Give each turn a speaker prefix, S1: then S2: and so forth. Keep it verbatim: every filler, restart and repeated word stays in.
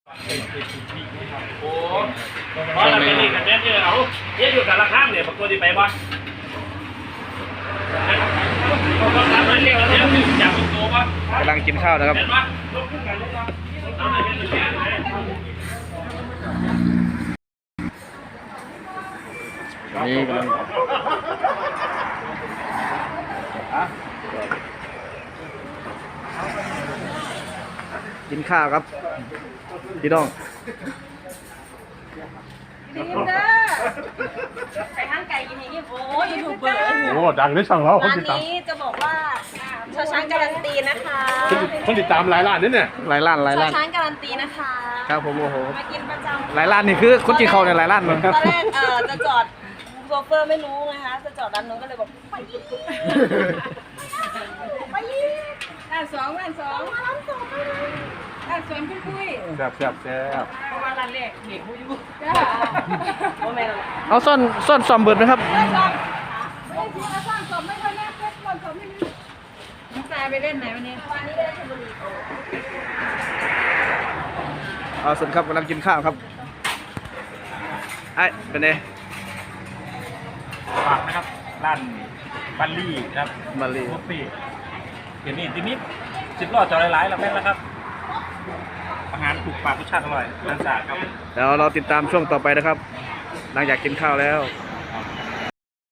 S1: โอ้เพราะเราเป็นอีกกันเนี่ยเอาเนี่ยอยู่กับราคาเนี่ยปกติไปบ่
S2: กำลังกินข้าวนะครับนี่กำลังกินข้าวครับพี่น้อง
S3: ดีเด้อใส่ข้างไก่กินอย่างนี้โอ้ยยูทูบเบอร์
S4: โอ้ดังได้ช่างเราคน
S3: ร้าน
S4: ติดตาม
S3: นี้จะบอกว่าชอช้างการันตีนะคะ
S4: คนติดตามหลายล้านนี่เนี่ย
S2: หลายล้านหลาย
S3: ชอ
S2: ล้าน
S3: ช้างการันตีนะคะ
S2: ครับผมโอ้โห
S3: มากินประจำ
S2: หลายล้านนี่คือคนกินข้าวเนี่ยหลายล้านเลยครับ
S3: ตอนแรกเอ่อจะจอดโซเฟอร์ไม่รู้ไงคะจะจอดด้านนู้นก็เลยบอกไปอีกไปอีกด้านสองด้านสองด้านสองด้านสองคุยคุย
S4: แซ่บแซ่บแซ่บ
S3: เพราะว่าร้านแรกเด็กผู้อยู่จ้าโอ้แม่เรา
S2: เอาซ่อนซ่อนซอมเบิร์ดไหมครับ
S3: ด้านสองไม่ได้ทีละสร้างสมไม่ค่อยแน่เพื่อนสร้างสมไม่มีน้องตายไปเล่นไหนวันนี้วันนี้ไปเล่นชลบุรี
S2: เอาส่วนครับกำลังกินข้าวครับไอ้เป็นไง
S1: ฝากนะครับร้านบัลลี่ครับ
S2: มาลี
S1: บุฟเฟ่เดี๋ยวนี้ทีนี้สิบล้อจอหลายๆแล้วแม่นแล้วครับอาหารถูกปากรสชาติอร่อยร้านสะอาดครับ
S2: เดี๋ยวเราติดตามช่วงต่อไปนะครับ หลังจากกินข้าวแล้ว
S1: ค